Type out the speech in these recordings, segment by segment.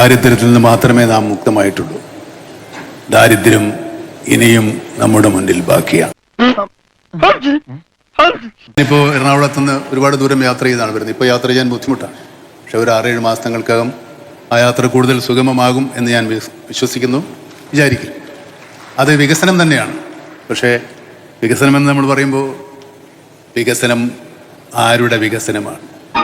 ദാരിദ്ര്യത്തിൽ നിന്ന് മാത്രമേ നാം മുക്തമായിട്ടുള്ളൂ. ദാരിദ്ര്യം ഇനിയും നമ്മുടെ മുന്നിൽ ബാക്കിയാണ്. ഇപ്പോൾ എറണാകുളത്ത് നിന്ന് ഒരുപാട് ദൂരം യാത്ര ചെയ്താണ് വരുന്നത്. ഇപ്പോൾ യാത്ര ചെയ്യാൻ ബുദ്ധിമുട്ടാണ്. പക്ഷെ ഒരു 6-7 മാസങ്ങൾക്കകം ആ യാത്ര കൂടുതൽ സുഗമമാകും എന്ന് ഞാൻ വിശ്വസിക്കുന്നു, വിചാരിക്കും. അത് വികസനം തന്നെയാണ്. പക്ഷേ വികസനമെന്ന് നമ്മൾ പറയുമ്പോൾ വികസനം ആരുടെ വികസനമാണ്?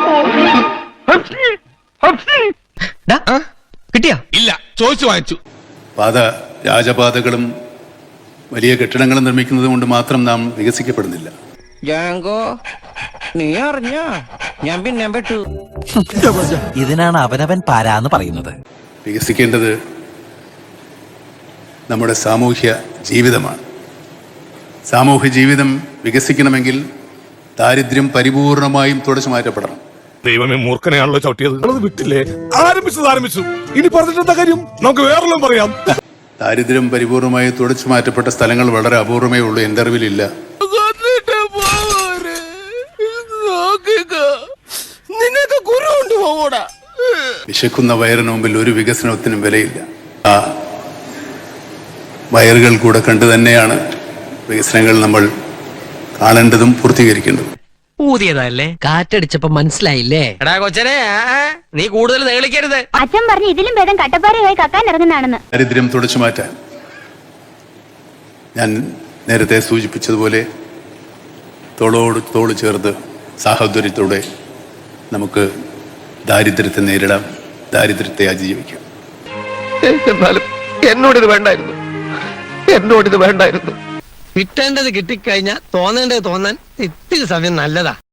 കിട്ടിയാ ഇല്ല, ചോദിച്ചു വാങ്ങിച്ചു. രാജപാതകളും വലിയ കെട്ടിടങ്ങളും നിർമ്മിക്കുന്നത് കൊണ്ട് മാത്രം നാം വികസിക്കപ്പെടുന്നില്ല. നീ അറിഞ്ഞ ഞാൻ പിന്നെ പെട്ടു. ഇതിനാണ് അവനവൻ പാരാന്ന് പറയുന്നത്. വികസിക്കേണ്ടത് നമ്മുടെ സാമൂഹ്യ ജീവിതമാണ്. സാമൂഹ്യ ജീവിതം വികസിക്കണമെങ്കിൽ ദാരിദ്ര്യം പരിപൂർണമായും തുടച്ചു മാറ്റപ്പെടണം. ദൈവമേ, മൂർഖനെയാണല്ലോ ചവിട്ടിയത്. വിട്ടില്ലേ? ആരംഭിച്ചു. ഇനി പറഞ്ഞിട്ടെന്താ കാര്യം? നമുക്ക് വേറെല്ലാം പറയാം. ദാരിദ്ര്യം പരിപൂർണമായി തുടച്ചു മാറ്റപ്പെട്ട സ്ഥലങ്ങൾ വളരെ അപൂർവമേ ഉള്ളൂ. എൻ്റെ അറിവിലില്ല. വിശക്കുന്ന വയറിന് മുമ്പിൽ ഒരു വികസനത്തിനും വിലയില്ല. ആ വയറുകൾ കൂടെ കണ്ടു തന്നെയാണ് വികസനങ്ങൾ നമ്മൾ കാണേണ്ടതും പൂർത്തീകരിക്കേണ്ടതും. ഊതിയതല്ലേ, കാറ്റടിച്ചപ്പോ മനസ്സിലായില്ലേ? എടാ കൊച്ചനെ, നീ കൂടുതൽ നേളിക്കരുത്. അച്ഛൻ പറഞ്ഞു ഇതിലും ഭേദം കട്ടപ്പാറയായി കക്കാൻ ഇറങ്ങുന്നതാണെന്ന്. ദാരിദ്ര്യം തുടച്ചു മാറ്റാൻ ഞാൻ നേരത്തെ സൂചിപ്പിച്ചതുപോലെ തോളോട് തോള് ചേർത്ത് സാഹോദര്യത്തോടെ നമുക്ക് ദാരിദ്ര്യത്തെ നേരിടാം, ദാരിദ്ര്യത്തെ അതിജീവിക്കാം. എന്നാലും എന്നോടിത് വേണ്ടായിരുന്നു. കിട്ടേണ്ടത് കിട്ടിക്കഴിഞ്ഞാൽ തോന്നേണ്ടത് തോന്നാൻ ഇത്തിരി സമയം നല്ലതാ.